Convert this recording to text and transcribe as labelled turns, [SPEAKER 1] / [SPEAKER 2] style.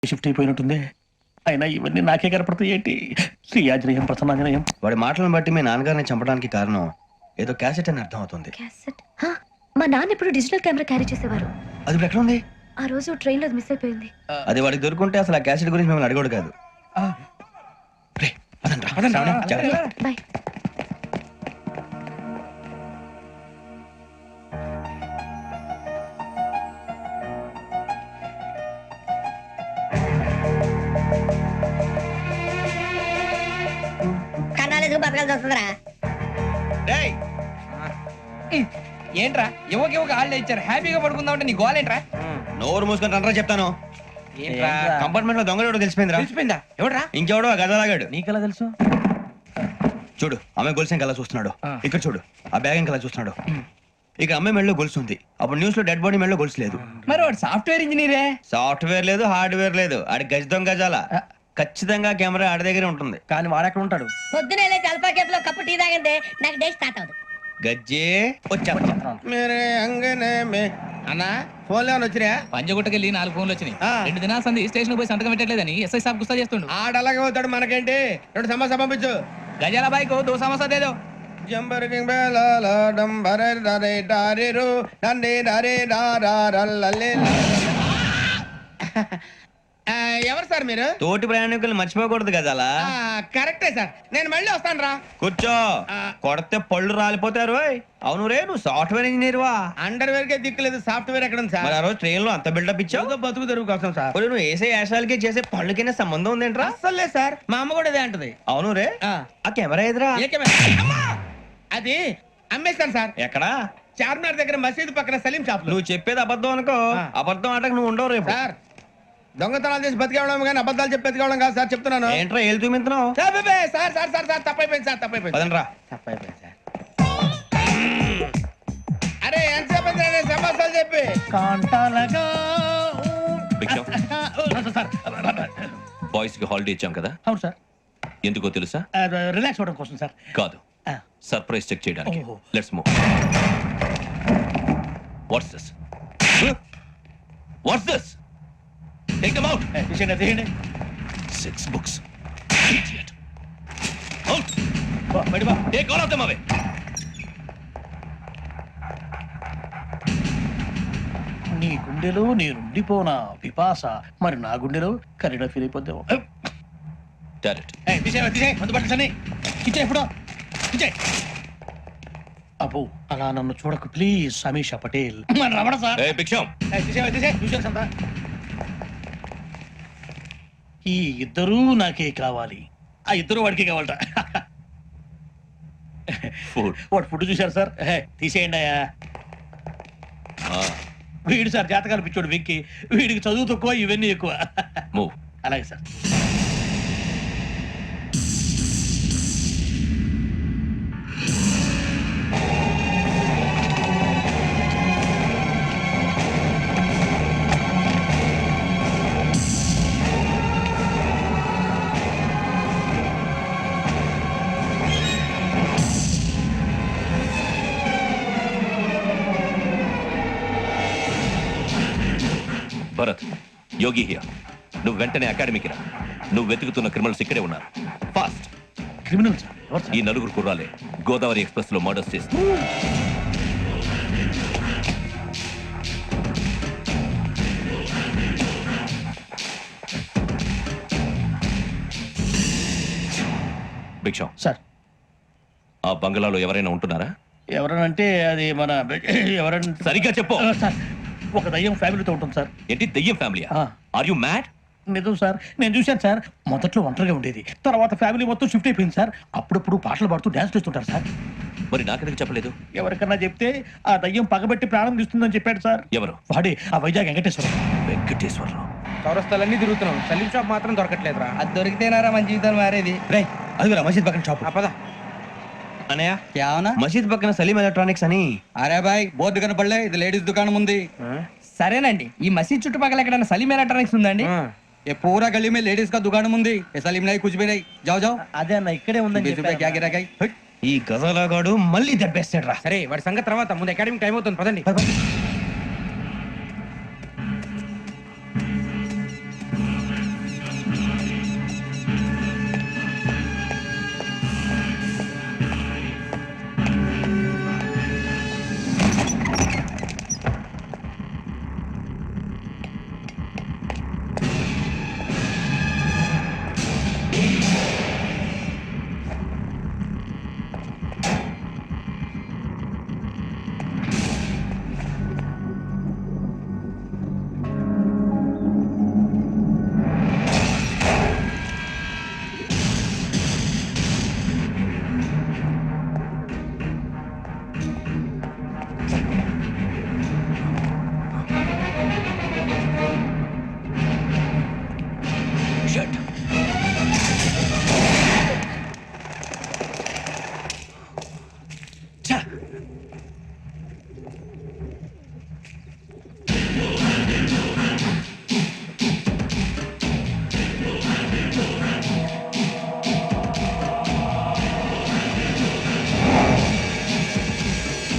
[SPEAKER 1] Shift అయిపోయినట్టుంది. అయినా ఇవన్నీ నాకే కనపడతాయి ఏంటి? శ్రీ ఆంజనేయం ప్రసన్నాంజనేయం.
[SPEAKER 2] వాడి మాటలను బట్టి మీ నాన్నగారిని చంపడానికి కారణం ఏదో క్యాసెట్ అని అర్థం అవుతుంది.
[SPEAKER 3] క్యాసెట్? మా నాన్న ఇప్పుడు డిజిటల్ కెమెరా క్యారీ చేసేవారు.
[SPEAKER 2] అది ఇప్పుడు ఎక్కడ ఉంది?
[SPEAKER 3] ఆ రోజు ట్రైన్ లో మిస్ అయిపోయింది.
[SPEAKER 2] అది వాడికి దొరుకుంటే అసలు ఆ క్యాసెట్ గురించి మిమ్మల్ని అడగడు కాదు. రేయ్, పదండ్రా. జాగ్రత్త.
[SPEAKER 3] బాయ్.
[SPEAKER 4] కన్నాలేసుకు బతకాల్సి వస్తుందిరా.
[SPEAKER 5] డేయ్ ఏంట్రా ఎవరికి హాలిడే ఇచ్చారు, హ్యాపీగా పడుకుందాం అంటే నీ గోల్ ఏంట్రా?
[SPEAKER 2] నోరు మూసుకొని రండ్రా చెప్తాను.
[SPEAKER 5] ఏంట్రా
[SPEAKER 2] కంపార్ట్మెంట్ లో దొంగలు ఎవడో తెలిసిపోయిందిరా.
[SPEAKER 5] తెలిసిపోయిందా? ఎవడ్రా?
[SPEAKER 2] ఇంకెవడో ఆ గదలాగాడు.
[SPEAKER 1] నీకెలా తెలుసు?
[SPEAKER 2] చూడు, ఆమె గొలుసు ఇంకలా చూస్తున్నాడు. ఇక్కడ చూడు, ఆ బ్యాగ్ ఇంకలా చూస్తున్నాడు. ఇక అమ్మాయి మెడలో గొలుసు ఉంది. అప్పుడు న్యూస్ లో డెడ్ బాడీ మెడలో గొలుసు లేదు.
[SPEAKER 5] మరి వాడు సాఫ్ట్వేర్ ఇంజనీరే.
[SPEAKER 2] సాఫ్ట్వేర్ లేదు, హార్డ్వేర్ లేదు. ఆడి గజ దొంగ గజాల. ఖచ్చితంగా కెమెరా ఆడి దగ్గరే ఉంటుంది.
[SPEAKER 1] కానీ వాడెక్కడ ఉంటాడు?
[SPEAKER 4] పొద్దునే లేచి అల్ఫా కేఫ్ లో కప్పు టీ తాగిందే నాకు డే స్టార్ట్ అవుతుంది.
[SPEAKER 2] గజ్జే వచ్చా.
[SPEAKER 6] మేరే అంగనే మే అన్నా ఫోన్ లో వచ్చినా
[SPEAKER 5] పంజగుట్టకెళ్ళి 4 ఫోన్లు వచ్చినాయి. 2 దినాల సంది స్టేషన్ పోయి సంతకం పెట్టలేదని ఎస్ఐ సాబ్ గుస్తా చేస్తుండు.
[SPEAKER 6] ఆడలాగే పోతాడు, మనకేంటి? 2 సమస్య పంపించు.
[SPEAKER 5] గజాల బైక్ 2 సమస్య దేదో.
[SPEAKER 6] జంబర్ కింగ్ బేలాల డంబర దరే దారిరు నందే దరే దారల్లలే. ఎవరు సార్ మీరు?
[SPEAKER 2] తోటి ప్రయాణికులు మర్చిపోకూడదు గజాల.
[SPEAKER 6] కరెక్టే సార్, నేను మళ్ళీ వస్తాను రా.
[SPEAKER 2] కూర్చో. కొడితే పళ్ళు రాలిపోతారు. అవును రే, నువ్వు సాఫ్ట్వేర్ ఇంజనీర్ వా?
[SPEAKER 6] అండర్వేర్ కే దిక్కులేదు, సాఫ్ట్వేర్ ఎక్కడ ఉంది
[SPEAKER 2] మరి
[SPEAKER 6] సార్?
[SPEAKER 2] ఆ రోజు ట్రైన్ లో అంత బిల్డప్ ఇచ్చావు.
[SPEAKER 6] బతుకు తెరుగు కోసం సార్.
[SPEAKER 2] ఒరేయ్, నువ్వు వేసే యాశాలకి చేసే పళ్ళకైనా సంబంధం ఉందేంట్రా?
[SPEAKER 6] అస్సలు లేదు సార్, మా అమ్మ కూడా ఇదే అంటది.
[SPEAKER 2] అవును రే,
[SPEAKER 6] ఆ.
[SPEAKER 2] ఆ కెమెరా ఎదురా?
[SPEAKER 6] ఏ కెమెరా? అమ్మా! అది అమ్మేస్తాను సార్.
[SPEAKER 2] ఎక్కడా?
[SPEAKER 6] చార్మినార్ దగ్గర మసీదు పక్కన సలీం షాప్ లో.
[SPEAKER 2] నువ్వు చెప్పేది అబద్ధం అనుకో.
[SPEAKER 6] ఆ.
[SPEAKER 2] అబద్ధం ఆటకు నువ్వు ఉండవు రేపు.
[SPEAKER 6] సార్, దొంగతనాలు చేసి బతికేవడం కానీ అబద్ధాలు చెప్పి బతికేవడం కాదు సార్, చెప్తున్నాను.
[SPEAKER 2] ఏంట్రా ఏళ్ళు చూపించినావు?
[SPEAKER 6] సార్ బేబే, సార్ సార్ సార్ సార్ తప్పైపోయింది సార్, తప్పైపోయింది.
[SPEAKER 2] పదండ్రా.
[SPEAKER 6] తప్పైపోయింది సార్. అరే ఎంతసేపు అయింది రా నేను సమస్యలు చెప్పి?
[SPEAKER 1] కాంటాలగా
[SPEAKER 7] భిక్షం,
[SPEAKER 1] సార్.
[SPEAKER 7] బాయ్స్ కి హాలిడే ఇచ్చాం కదా,
[SPEAKER 1] అవును సార్.
[SPEAKER 7] ఎందుకో తెలుసా?
[SPEAKER 1] రిలాక్స్ అవ్వడం కోసం సార్.
[SPEAKER 7] కాదు, సర్ప్రైజ్ చెక్ చేయడానికి.
[SPEAKER 1] ఓహో.
[SPEAKER 7] Let's move. What's this? What's this? Take them out.
[SPEAKER 1] తీయండి.
[SPEAKER 7] 6 books. Idiot. Out. Take all of them away.
[SPEAKER 1] నీ గుండెలో నేనుండిపోనా పిపాస, మరి నా గుండెలో కరీడా ఫీల్ అయిపోద్దాము.
[SPEAKER 7] Direct.
[SPEAKER 1] అబ్బో, అలా నన్ను చూడకు please. Samisha Patel. Ramana sir.
[SPEAKER 7] Hey, Bhiksham.
[SPEAKER 1] ఈ ఇద్దరూ నాకే కావాలి. ఆ ఇద్దరు వాడికి కావాలట.
[SPEAKER 7] Food.
[SPEAKER 1] వాడు ఫుడ్ చూశారు సార్. తీసేయండి అయ్యా. వీడు సార్ జాతకాలు పిచ్చోడు వెక్కి. వీడికి చదువు తక్కువ, ఇవన్నీ ఎక్కువ.
[SPEAKER 7] Move.
[SPEAKER 1] అలాగే సార్.
[SPEAKER 7] Bharat, Yogi here. నువ్వు వెంటనే అకాడమీకి రా. నువ్వు వెతుకుతున్న క్రిమినల్స్ ఇక్కడే ఉన్నారు. ఫాస్ట్.
[SPEAKER 1] Criminal sir? ఎవరు సార్?
[SPEAKER 7] ఈ 4 కుర్రాలే గోదావరి ఎక్స్ప్రెస్ లో మర్డర్స్ చేసి. భిక్షం,
[SPEAKER 1] సార్,
[SPEAKER 7] ఆ బంగ్లాలో ఎవరైనా ఉంటున్నారా?
[SPEAKER 1] ఎవరనంటే అది మన ఎవరంటే
[SPEAKER 7] సరిగ్గా చెప్పు.
[SPEAKER 1] సార్, ఒక దయ్యం ఫ్యామిలీతో ఉంటుంది సార్.
[SPEAKER 7] ఏంటి, దెయ్యం ఫ్యామిలీ?
[SPEAKER 1] ఆ.
[SPEAKER 7] Are you mad?
[SPEAKER 1] నిజం సార్, నేను చూశాను సార్. మొదట్లో ఒంటరిగా ఉండేది, తర్వాత ఫ్యామిలీ మొత్తం షిఫ్ట్ అయిపోయింది సార్. అప్పుడప్పుడు పాటలు పాడుతూ డ్యాన్స్ చేస్తుంటారు సార్.
[SPEAKER 7] మరి నాకెందుకు చెప్పలేదు?
[SPEAKER 1] ఎవరికన్నా చెప్తే ఆ దయ్యం పగబెట్టి ప్రాణం తీస్తుందని చెప్పాడు సార్.
[SPEAKER 7] ఎవరు?
[SPEAKER 1] వాడే, ఆ వైజాగ్ వెంకటేశ్వరం.
[SPEAKER 7] వెంకటేశ్వరరావు.
[SPEAKER 5] చౌరస్తాలన్నీ తిరుగుతున్నాం, సలీం షాప్ మాత్రం దొరకట్లేదురా. అది దొరికితేనారా మన జీవితాలు మారేది.
[SPEAKER 2] రే, అది మసీద్ పక్కన షాప్.
[SPEAKER 5] పద.
[SPEAKER 2] అనయ్య,
[SPEAKER 8] क्या होना?
[SPEAKER 2] మసీద్ పక్కన సలీం ఎలక్ట్రానిక్స్ అని.
[SPEAKER 8] अरे भाई बहुत दुकान पड़ ఇది లేడీస్ దుకాణం ఉంది.
[SPEAKER 5] సరేనండి, ఈ మసీద్ చుట్టుపక్కల ఎక్కడైనా సలీం ఎలక్ట్రానిక్స్ ఉందండి?
[SPEAKER 8] ये पूरा गली में लेडीज का दुकान मुंदी ये सलीम नहीं कुछ भी नहीं जाओ जाओ
[SPEAKER 1] అదే అన్న, ఇక్కడే ఉందని
[SPEAKER 8] 20 रुपए क्या गिरा गई
[SPEAKER 2] ఈ గజాలగాడు మళ్ళీ దెబ్బేస్తాడు రా.
[SPEAKER 5] సరే, వాడి సంగతి తర్వాత, ముందు అకాడమిక్ టైం అవుతుంది, పదండి.
[SPEAKER 7] షట్